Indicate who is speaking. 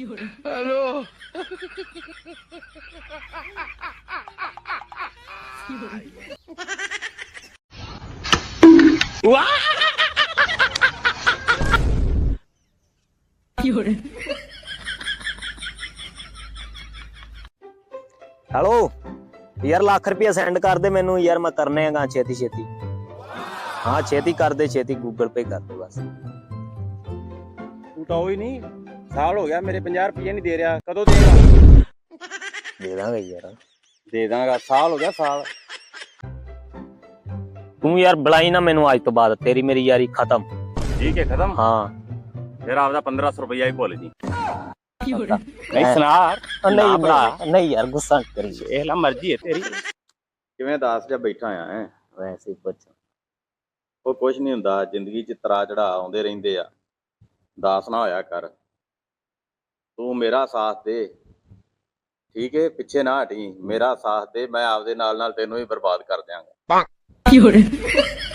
Speaker 1: Hello
Speaker 2: hello ਯਾਰ ਲੱਖ ਰੁਪਇਆ send ਕਰ ਦੇ ਮੈਨੂੰ ਯਾਰ, ਮੈਂ ਕਰਨੇ ਹੈਗਾ ਛੇਤੀ ਛੇਤੀ। ਹਾਂ ਛੇਤੀ ਕਰ ਦੇ, ਛੇਤੀ ਗੂਗਲ ਪੇ ਕਰ ਦੇ ਬਸ।
Speaker 3: ਤੂੰ ਤਾਂ ਉਹੀ ਨਹੀਂ, ਸਾਲ ਹੋ ਗਿਆ ਮੇਰੇ 50 ਰੁਪਏ ਨਹੀਂ ਦੇ ਰਿਹਾ, ਕਦੋਂ ਦੇਗਾ?
Speaker 2: ਦੇ ਦਾਂਗੇ ਯਾਰ,
Speaker 3: ਦੇ ਦਾਂਗਾ, ਸਾਲ ਹੋ ਗਿਆ ਸਾਲ।
Speaker 2: ਤੂੰ ਯਾਰ ਬੁਲਾਈ ਨਾ ਮੈਨੂੰ ਅੱਜ ਤੋਂ ਬਾਅਦ, ਤੇਰੀ ਮੇਰੀ ਯਾਰੀ ਖਤਮ।
Speaker 3: ਠੀਕ ਹੈ ਖਤਮ।
Speaker 2: ਹਾਂ
Speaker 3: ਫਿਰ ਆਪਦਾ 1500 ਰੁਪਇਆ ਹੀ ਭੁੱਲ ਜੀ।
Speaker 2: ਨਹੀਂ
Speaker 3: ਸੁਣਾ
Speaker 2: ਨਹੀਂ ਯਾਰ, ਗੁੱਸਾ ਨਾ ਕਰੀ।
Speaker 3: ਇਹ ਲਾ ਮਰਜ਼ੀ ਹੈ ਤੇਰੀ। ਕਿਵੇਂ ਦਾਸ ਜਿਹਾ ਬੈਠਾ ਆ ਹੈ?
Speaker 2: ਵੈਸੇ ਹੀ ਪੁੱਛ।
Speaker 3: ਉਹ ਕੁਝ ਨਹੀਂ ਹੁੰਦਾ, ਜ਼ਿੰਦਗੀ 'ਚ ਤਰਾ ਚੜਾ ਆਉਂਦੇ ਰਹਿੰਦੇ ਆ, ਦਾਸ ਨਾ ਹੋਇਆ ਕਰ। ਤੂੰ ਮੇਰਾ ਸਾਥ ਦੇ, ਠੀਕ ਹੈ? ਪਿੱਛੇ ਨਾ ਹਟੀ, ਮੇਰਾ ਸਾਥ ਦੇ, ਮੈਂ ਆਪਦੇ ਨਾਲ ਨਾਲ ਤੈਨੂੰ ਵੀ ਬਰਬਾਦ ਕਰ ਦਿਆਂਗਾ।